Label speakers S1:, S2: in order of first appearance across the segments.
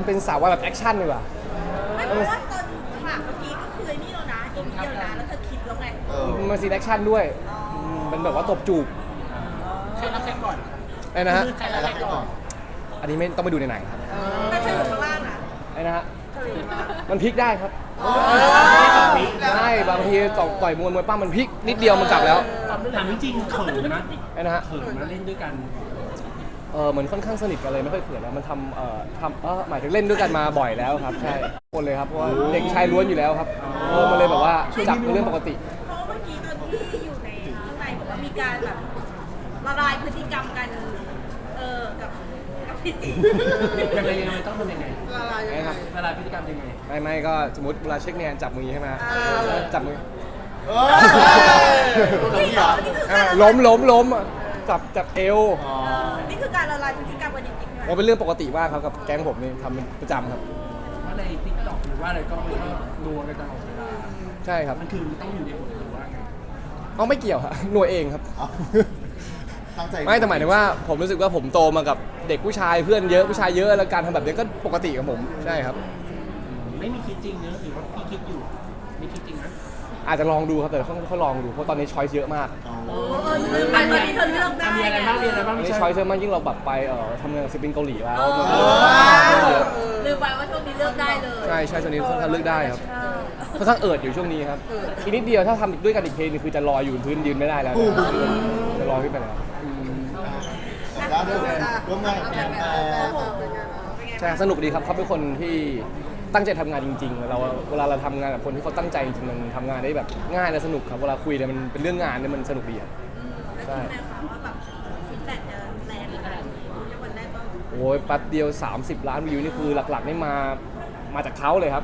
S1: เป็นสาววายแบบแอคชั่นดีกว่า
S2: ไม่เพราะว่าตอนฉากเมื่อกี้ก็คือไอ้นี่แล้วนะอีกนิดเดียวนะแล้วเธอคิดแล้วไง
S1: มันซีนแอคชั่นด้วยเป็นแบบว่าตบจูบ
S3: ใครรับใครก่อน
S1: ไอ้นะฮะ
S3: ใครรับใครก่อน
S1: อันนี้ไม่ต้องไปดูในหนังครับ
S2: แต่เธออยู่ข้างล่างนะ
S1: ไอ้นะฮะมันพลิกได้ครับใช่บางทีต่อยมวยปั้มมันพลิกนิดเดียวมันกลับแล้ว
S3: ถามจริงๆเขินนะ
S1: ไอ้นะฮะ
S3: เขินมาเล่นด้วยกัน
S1: เหมือนค่อนข้างสนิทกันเลยไม่ค่อยเขินแล้วมันหมายถึงเล่นด้วยกันมาบ่อยแล้วครับใช่คนเลยครับเพราะว่าเด็กชายล้วนอยู่แล้วครับมันเลยแบบว่าจับเป็นเรื่องปกติ
S2: เพราะเมื่อกี้ตอนที่อยู่ในข้างในบอกว่ามีการแบบละลายพฤติกรรมกันกับพี่จี
S3: ยังไงต้องทำยังไง
S1: นะครับ
S3: ละลายพฤติกรรมยังไง
S1: ไม่ก็สมมติเวลาเช็คเนี่ยจับมือใช่ไหมจับมือ ล้มจับเอว
S2: นี่คือการละลายพฤติกรรมกันจริงๆใช่ไหม
S1: มันเป็นเรื่องปกติมากครับกับแก๊งผมนี่ทำเป็นประจำครับ
S3: ว่าในติ๊กต็อกหรือว่าอะไรก็มันก็นัวกันตลอดเวลา
S1: ใช่ครับ
S3: มันคือต้องอยู่ในบทหรือว่าไง
S1: เอาไม่เกี่ยวครับหน่วยเองครับ
S4: ตั้งใจ
S1: ไม่แต่หมายถึงว่าผมรู้สึกว่าผมโตมากับเด็กผู้ชายเพื่อนเยอะผู้ชายเยอะแล้วการทำแบบนี้ก็ปกติกับผมใช่ครับ
S3: ไม่มีคิดจริงเนอะหรือว่าพี่คิดอยู่ไม่คิดจริงนะ
S1: อาจจะลองดูครับแต่เขาลองดูเพราะตอนนี้ช้อยส์เยอะมาก
S2: ลืมไปตอนนี้เธอเลือกได้
S3: มีอะไรบ้างมีอะไรบ้าง
S1: ตอน
S3: ไม่
S1: นี้
S3: ใช่
S1: ช้อยส์เยอะมากยิ่งเราแบบไปทำงานกับศิลปินเกาหลีแล้วมันเยอะ
S2: ลืมไปว่าช่วงนี้เลือกได้เลย
S1: ใช่ช่วงนี้ค่อนข้างเลือกได้ครับค่อนข้างอยู่ช่วงนี้ครับอีกนิดเดียวถ้าทำด้วยกันอีกเพลงนึงคือจะลอยอยู่พื้นยืนไม่ได้แล้วจะลอยขึ้นไปแล้ว
S4: ล่าสุดร่วมงานกับแอนแอร์
S1: ใช่สนุกดีครับเขาเป็นคนที่ตั้งใจทำงานจริงๆเวลาเราทำงานกับคนที่เขาตั้งใจจริงๆมันทำงานได้แบบง่ายและสนุกครับเวลาคุยเนี่ยมันเป็นเรื่องงานเนี่ยมันสนุกดีครับ
S2: แล้วคิดไหมคะว่าแบบฟีดแบ็กจะแรงขนาดนี้ในวันแรกก็
S1: โอ้ยแป๊บเดียว30 ล้านวิวนี่คือหลักๆนี่มาจากเขาเลยครับ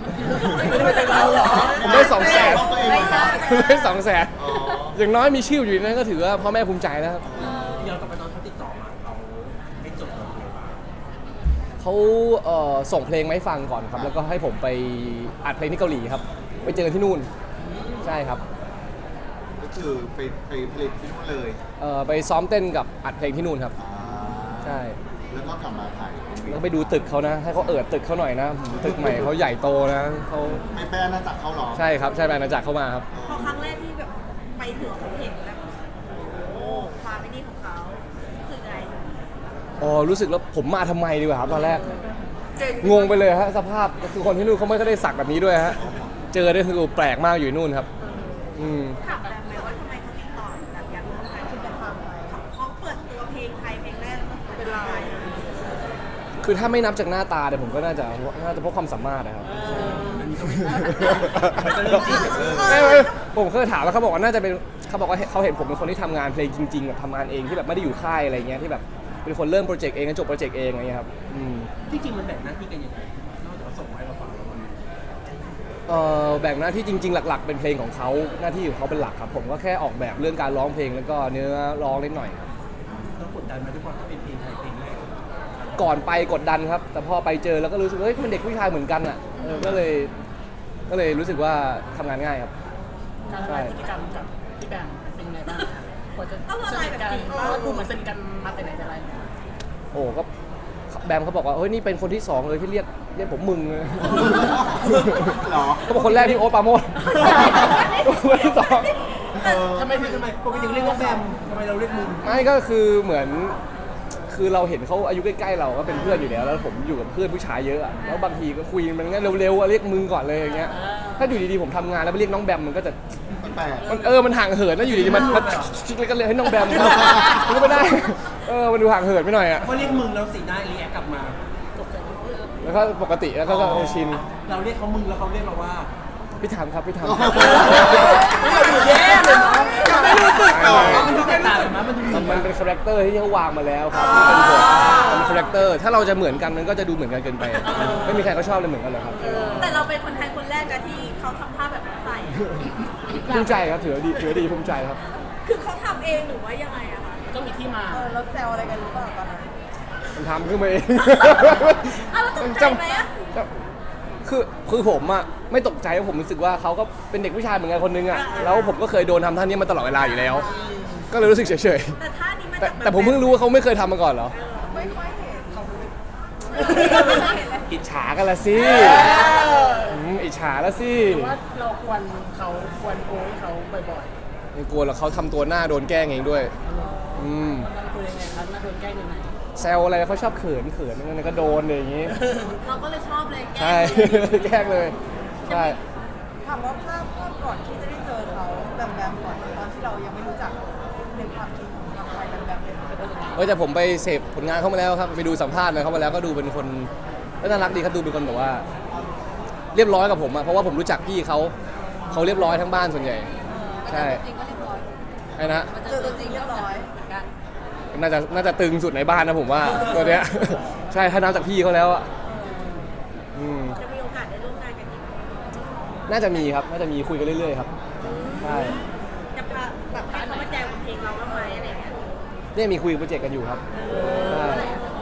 S1: ผมได้200,000ได้200,000อย่างน้อยมีชื่ออยู่ในนั้นก็ถือว่าพ่อแม่ภูมิใจแล้วครับ
S3: ย้อนกลับไปตอนเขาติดต่อมาเราไม่จบเลยบ้าง
S1: เขาส่งเพลงมาให้ฟังก่อนครับแล้วก็ให้ผมไปอัดเพลงที่เกาหลีครับไปเจอกันที่นู่นใช่ครับ
S4: ก็คือไปผลิตที่นู่นเลย
S1: ไปซ้อมเต้นกับอัดเพลงที่นู่นครับ
S4: อ่า
S1: ใช่
S4: แล้วก็กลับมาถ่าย
S1: แล้วก็ไปดูตึกเขานะให้เขาตึกเขาหน่อยนะตึกใหม่เขาใหญ่โตนะเขา
S4: ไม่แป้น่าจักเขาหรอ
S1: ใช่ครับใช่แบรนด์อาณาจักรเข้ามาครับ
S2: พอครั้งแรกที่แบบไปถึงเห็นแบบโอ้ความไม่ดีของเขาคือไง
S1: รู้สึกแล้วผมมาทำไมดีกว่าครับตอนแรกงงไปเลยฮะสภาพคือคนที่นู่นเขาไม่ได้สักแบบนี้ด้วยฮะเจอได้คือแปลกมากอยู่นู่นครับ
S2: ถามแบบไหมว่าทำไมเขาติดต่อแบบอยากร่วมงานคุณจะทำเขาเปิดตัวเพลงไทยเพลงแรกเป็นไทย
S1: คือถ้าไม่นับจากหน้าตาเนี่ยผมก็น่าจะเพราะความสามารถนะครับผมเคยถามแล้วเขาบอกว่าน่าจะเป็นเขาบอกว่าเขาเห็นผมเป็นคนที่ทำงานเพลงจริงๆแบบทำงานเองที่แบบไม่ได้อยู่ค่ายอะไรเงี้ยที่แบบเป็นคนเริ่มโปรเจกต์เองจบโปรเจกต์เองอะไรเงี้ยครับ
S3: ที่จริงมันแบ่งหน้าที่กันยังไงนอกจากว่าส่งมาให้เราฟังแล้วมัน
S1: แบ่งหน้าที่จริงๆหลักๆเป็นเพลงของเขาหน้าที่ของเขาเป็นหลักครับผมก็แค่ออกแบบเรื่องการร้องเพลงแล้วก็เนื้อร้องนิดหน่อยครับ
S3: ต้องกดดันมาด้วยความที่เป็นเพลงไทยเพลงแรก
S1: ก่อนไปกดดันครับแต่พอไปเจอแล้วก็รู้สึกว่าเฮ้ยมันเด็กผู้ชายเหมือนกันอ่ะก็เลยรู้สึกว่าทำงานง่ายครับ
S5: การละลายพฤติกรรมกับพี่แบงค์เป็นยังไงบ้างกว่าจะ
S2: ต้องละลายแบบ
S5: กัน
S2: นี้
S5: เพราะว่าดูเหมือนสนิทกันมาแต่ไหนแต่ไร
S1: โอ้ก็แบมเขาบอกว่าเฮ้ยนี่เป็นคนที่2เลยที่เรียกผมมึงเลย
S4: หรอ
S1: เขาบอกคนแรกที่โอ๊ตปราโมชคนที่สอง
S3: ทำไมปกติเรียกว่าแบมทำไมเราเรียกมึง
S1: ไม่ก็คือเหมือนคือเราเห็นเขาอายุใกล้ๆเราก็เป็นเพื่อนอยู่แล้วแล้วผมอยู่กับเพื่อนผู้ชายเยอะอะแล้วบางทีก็คุยมันงั้นเร็วๆอะเรียกมึงก่อนเลยอย่างเงี้ยถ้าอยู่ดีๆผมทำงานแล้วไปเรียกน้องแบมมันก็จะ
S4: แปลก
S1: มันห่างเหินแล้วอยู่ดีๆมันชิคเลยก็เลยให้น้องแบมมันก็ไม่ได้มันดูห่างเหินไปหน่อยอะ
S3: ว่าเรียกมึงแล้วสีหน้ารีแอคกลับมา
S1: แล้วก็ปกติแล้วก็ชิน
S3: เราเรียกเขามึงแล้วเขาเรียกเราว่า
S1: พี่ถามครับพี่ถาม
S3: เราดูแย่เลยเนาะไม่รู้สึกหรอมันดูแตกต่างกันมั้ยมันดู
S1: มันเป็นคาแรคเตอร์ที่เขาวางมาแล้วครับที่เป็นบทเป็นคาแรคเตอร์ถ้าเราจะเหมือนกันมันก็จะดูเหมือนกันเกินไปไม่มีใครเขาชอบเลยเหมือนกันหรอกครับ
S2: แต่เราเป็นคนไทยคนแรกนะที่เขาทำท่าแบบนั้นใส่
S1: ภูมิใจครับถือว่าดีภูมิใจครับ
S2: คือเขาทำเองหรือว่ายังไงอะคะ
S5: ก็มีที่มา
S2: เราแซวอะไรกันหรือเปล่าตอนนั้น
S1: มันทำขึ้นมาเอง
S2: อ้าวแล้วตกใจไหมอะ
S1: คือผมอะไม่ตกใจเพราะผมรู้สึกว่าเขาก็เป็นเด็กผู้ชายเหมือนกันคนนึงอะแล้วผมก็เคยโดนทำท่านี้มาตลอดเวลาอยู่แล้ว ก็เลยรู้สึกเฉย
S2: แต่ท่านี้มัน
S1: ๆแต่ผมเพิ่งรู้ว่าเขาไม่เคยทำมาก่อนเหรอ
S2: ไม่ค่อยเห็นเขาไม่เคยเห็นเลย
S1: อิจฉากันละสิอิจฉาละสิ
S5: ว่าเราควรเขาควรโอยเขาบ่อย
S1: ไม่กลัวหรอกเขาทำตัวหน้าโดนแกล้งเองด้วย
S5: ๆมันคุยยังไงครับน่าโดนแกล้งยังไง
S1: แซวอะไรเขาชอบเขินนั่นก็โดนเลยอย่างงี้
S2: เราก็เลยชอบเลยแก
S1: ใช่ แกล้งเลยใช่
S6: ถามว่าภาพก่อนที่จะได้เจอเขาแบมก่อนตอนที่เรายังไม่รู้จักในความคิดของเราไปแบมเป็นยังไง
S1: แต่ผมไปเสพผลงานเขามาแล้วครับไปดูสัมภาษณ์อะไรเขามาแล้วก็ดูเป็นคนก็น่ารักดีครับดูเป็นคนแบบว่า เรียบร้อยกับผมอะเพราะว่าผมรู้จักพี่เขาเรียบร้อยทั้งบ้านส่วนใหญ่ใช่ไอ้นะ
S6: เจอตัวจริงเรียบร้อย
S1: น่าจะตึงสุดในบ้านนะผมว่าตัวเนี้ย ใช่ถ้านับจากพี่เขาแล้วอะ
S2: จะมีโอกาสได้ร่วมงานกันอีก
S1: น่าจะมีครับน่าจะมีคุยกันเรื่อยๆครับใช่
S2: จะพาแบบให้เขามาแจมเพลงเราบ้างไหมอะไรอย่างเงี้ย
S1: เนี่ยมีคุยโปรเจกต์กันอยู่ครับใช่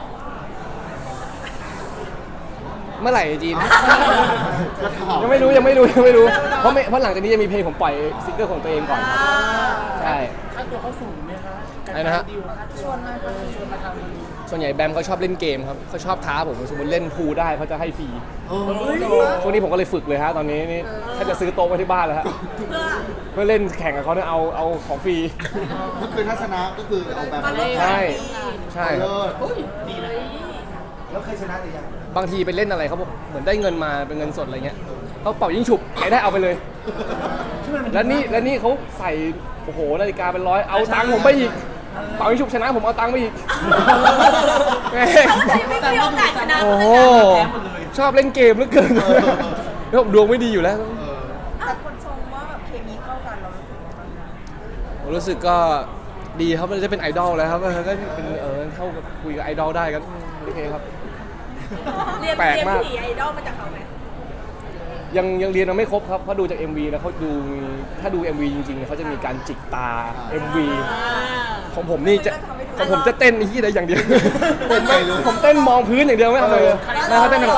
S1: เมื่อไหร่จีน
S4: จะถาม
S1: ยังไม่รู้เพราะหลังจากนี้จะมีเพลงผมปล่อยซิงเกิลของตัวเองก่อนครับใช่
S5: ค่าตัวเขาสูงไหมคะ
S1: อะไรนะฮะ
S5: ดิวค่าตัวชวนมาทำ
S1: ส่วนใหญ่แบมเขาชอบเล่นเกมครับเขาชอบท้าผมสมมติเล่นพูลได้เขาจะให้ฟรี
S4: โอ้ย
S1: ช่วงนี้ผมก็เลยฝึกเลยฮะตอนนี้นี่ถ้าจะซื้อโต๊ะไว้ที่บ้านแล้วฮะ
S2: เพื่อ
S1: เพื่อเล่นแข่งกับเขาเนี่ยเอาของฟรี
S4: ก็คือถ้าชนะก็คือเอาแบบมาเลิศ
S1: ใช่ใช่ครับ
S4: เลิศ
S5: ดีนะ
S4: แล้วเคยชนะหรือยัง
S1: บางทีไปเล่นอะไรเขาบอกเหมือนได้เงินมาเป็นเงินสดอะไรเงี้ยเขาเป่ายิงฉุบใครได้เอาไปเลย แล้วนี่เขาใส่โอ้โหนาฬิกาเป็นร้อยเอาตังค์ผมไปอีกเป่ายิงฉุบชนะผมเอาตังค์ไปอีกแม่ง
S2: เขาเลยไม่มีโอกาสชนะ
S1: โอ้โหชอบเล่นเกมเหลือเกินแล้วผมดวงไม่ดีอยู่แล้ว
S6: แต่คนชมว่าแบบเคมีเข้ากันเรารู้สึกว่า
S1: ผมรู้สึกก็ดีครับมันจะเป็นไอดอลแล้วครับก็เป็นเข้ากับคุยกับไอดอลได้ก็โอเคครับ
S2: เรียน
S1: แปลกมาก
S2: ผีไอดอลมาจากเขาไหม
S1: ยังเรียนมาไม่ครบครับเพราะดูจาก MV แล้วเขาดูถ้าดู MV จริงๆเขาจะมีการจิกตา MV ของผมนี่จะของผมจะเต้นที่ใดอย่างเดียวผมเต้นมองพื้นอย่างเดียวไม่เอาเลยนะเขาเต้นแบบ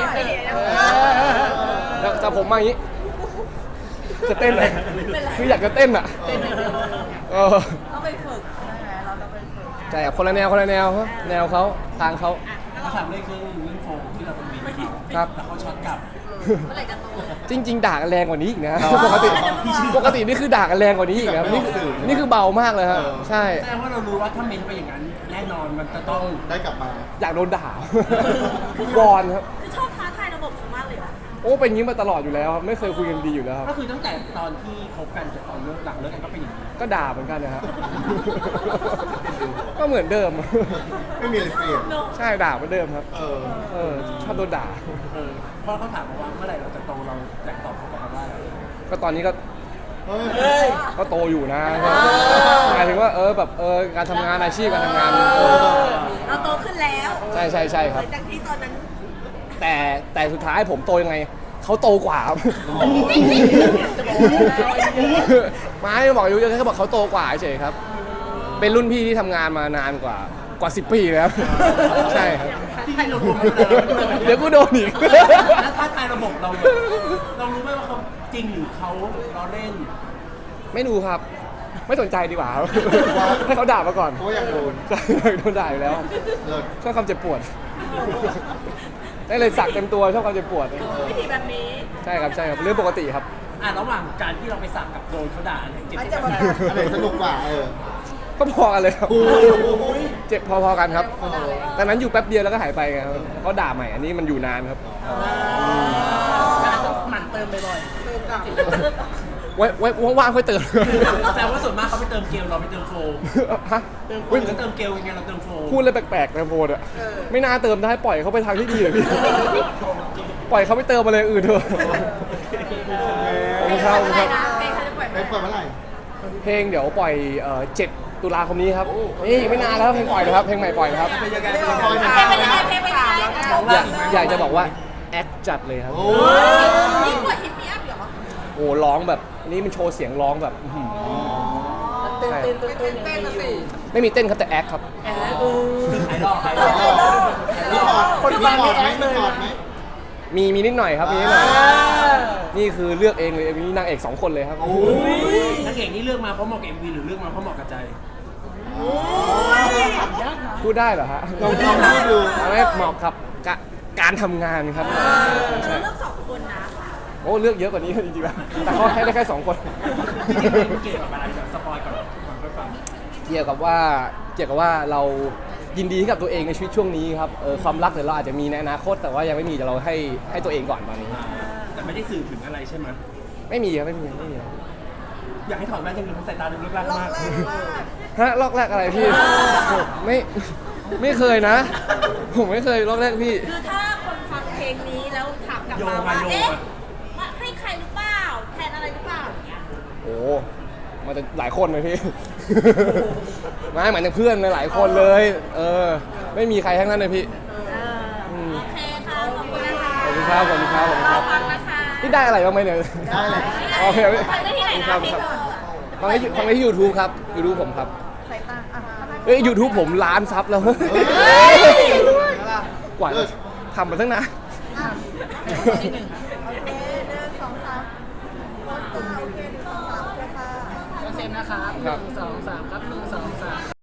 S1: แต่ผมมาอย่างนี้จะเต้นเลยคืออยากจะเต้นอ่ะ
S6: ต้องไปฝึกใช่ไหมเราต้องไปฝึก
S1: ใช่ครับคนละแนวครับแนวเขาทางเขา
S5: เขาถามเรื่องโฟมที่เราเป็นวีนเขา
S1: ครับ
S5: แล้วเขาช็อตกลับ
S2: เมื่อไหร่จะโต
S1: จริงๆด่ากันแรงกว่านี้อีกนะปกตินี่คือด่ากันแรงกว่านี้อีกนะนี่คือเบามากเลยครับใช่
S5: แสดงว่าเรารู้ว่าถ้าเมนไปอย่างนั้นแน่นอนมันจะต้อง
S4: ได้กลับมา
S1: อยากโดนด่า วอนครับ
S2: คือชอบท้าทายระบบเขามากเลยอะ
S1: โอ้เป็นอย่างนี้มาตลอดอยู่แล้วครับไม่เคยคุยกันดีอยู่แล้วครับ
S5: ก็คือตั้งแต่ตอนที่คบกันจนตอนเลิกหลังเลิกกันก็เป็นอย่างนี้
S1: ก็ด่าเหมือนกันนะครับ ก็เหมือนเดิม
S4: ไม่มีอะไรเปลี่ยน
S1: ใช่ด่าเหมือนเดิมครับ ชอบโดนด่า
S5: เพราะเขาถามมาว่าเมื่อไหร่เราจะโตเราอยากตอบเขากลับมาว่าอะไร
S1: ก็ตอนนี้ก็
S4: เฮ้ย
S1: ก็โตอยู่นะหมายถึงว่าแบบการทำงานอาชีพการทำงาน
S2: เราโตขึ้นแล้ว
S1: ใช่ครับ
S2: หลังจากที่ตอนนั้น
S1: แต่สุดท้ายผมโตยังไงเขาโตกว่าครับไม่บอกอายุเยอะแค่บอกเขาโตกว่าเฉยครับ เป็นรุ่นพี่ที่ทำงานมานานกว่า10 ปีแล้วใช่ครับ
S5: ที่เรารู้ไหมเรา
S1: เดี๋ยวกูโดนอีก
S5: แล้วท้าทายระบบเรารู้ไหมว่าเขาจริงหรือเขาล้อเล่น
S1: ไม่รู้ครับ ไม่สนใจดีกว่าครับให้เขาด่ามาก่อน
S4: เพราะว่าอยากโดน
S1: ใช่โดนด่าอยู่แล้ว
S4: เลิศ
S1: ชอบความเจ็บปวดได้เลยสักเต็มตัวชอบความเจ็บปวด
S2: วิธีแบบนี้
S1: ใช่ครับเรื่องปกติครับ
S5: ระหว่างการที่เราไปสักกับโดนเขาด่าเนี่ยเจ็บ
S6: อาจ
S5: เจ็
S6: จะ
S5: บ
S6: มา
S5: กัน
S4: อะไรสนุกกว่า
S1: ก็พอกันเลยครับ
S4: โอ้โห
S1: เจ็บพอๆกันครับแต่นั้นอยู่แป๊บเดียวแล้วก็หายไปไงครับเขาด่าใหม่อันนี้มันอยู่นานครับ
S5: การต้องหมั่นเติมบ่อย
S1: ไว้ว่างๆค่อยเติม
S5: ๆแสดงว่าส่วนมากเขาไปเติมเกลเราไปเติมโฟม
S1: ฮะ
S5: เติมโฟ
S1: อุ๊ย
S5: มก็เติมเกลยังไงเราเติมโฟม
S1: พูดเลยแปลกๆนะโฟนอะไม่น่าเติมได้ปล่อยเขาไปทางที่ดีเลยพี่ ปล่อยเขาไปเติมอะไรอื่นเถอะขอบคุณครับ
S2: อะไรนะเพลงเขาจะปล่อย
S4: ไปเปิดเมื่อไหร่
S1: เพลงเดี๋ยวปล่อย7 ตุลาคมนี้ครับนี่ไม่นานแล้วเพลงปล่อยนะครับเพลงใหม่ปล่อยนะครับ
S5: เป็นยังไง
S2: เพลงเป็นยังไงเพลงเป็นยังไง
S1: อยากจะบอกว่าแอคจัดเลยครับ
S4: โอ้
S2: ยิ่งกว่าฮิตมีอัพเหรอ
S1: โอ้ร้องแบบอันนี้มันโชว์เสียงร้องแบบอื้อหือใช่
S6: เต้นสิ
S1: ไม่มีเต้นครับแต่แอคครับ
S5: ขายดอกขายดอก
S4: มีถอดคนฟังมีแอคเลยถอดไหม
S1: มีนิดหน่อยครับมีนิดหน่อยนี่คือเลือกเองเลยมีนางเอก2 คนเลยครับ
S5: นักเอกนี่เลือกมาเพราะเหมาะกับ MV หรือเลือกมาเพราะเหมาะกับใจ
S1: พูดได้เหรอฮะ
S4: ลองพูดดู
S1: เอาไหมเหมาะกับการทำงานครับ
S2: เรา
S1: ใช่
S2: เลือกสองคนนะ
S1: โอ้เลือกเยอะกว่านี้จริงๆนะแต่เขาให้ได้แค่2 คน
S5: เกี่ยวกับอะไรแบบสปอยก่อนก่อนไปฟัง
S1: เกี่ยวกับว่าเรายินดีกับตัวเองในชีวิตช่วงนี้ครับความรักเดี๋ยวเราอาจจะมีในอนาคตแต่ว่ายังไม่มีแต่เราให้ตัวเองก่อนตอนนี้
S5: แต่ไม่ได้สื่อถึงอะไรใช่ไหม
S1: ไม่มีครับไม่มี
S5: อยากให้ถอดแว่นยังดูสายตาดูเลิกลัก
S6: ล็อก
S5: มาก
S6: แรกมาก
S1: ฮะลอกแรกอะไรพี่ไม่เคยนะ ผมไม่เคยลอกแรกพี่
S2: คือถ้าคนฟังเพลงนี้แล้วถามกลับมาว่าเอ๊ะมาให้ใครหรือเปล่าแทนอะไรหรือเปล่าอย่างเงี้ย
S1: โอ้มันจะหลายคนเลยพี่ ไม่หมายถึงเพื่อนหลายคนเลย ไม่มีใครทั้งนั้นเลยพี่
S2: โอเคค่ะขอบคุณนะคะ
S1: ขอบคุณครับขอบคุณครับขอบคุณครับ
S2: ฟังนะคะ
S1: นี่ได้อะไรบ้างไหมเนี่ย
S4: ได้เลย
S1: โอเค
S2: ฟังได้ที่ไหนนะ
S1: ครับ
S2: เพลง
S1: ครับ
S2: เธอ
S1: ฟังได้ที่ YouTube ครับ YouTube ผมครับ
S6: สายตาอ่ะ
S1: เอ้ย YouTube ผมล้านซับแล้ว
S2: เฮ้ย
S1: กว่าจะทำมาตั้งนาน
S6: โอเค1 2 3โพสต์โอเค1 2 3โอเคค่ะ
S3: เซมนะครับ
S1: ครับ
S3: 1 2 3ครับ1 2 3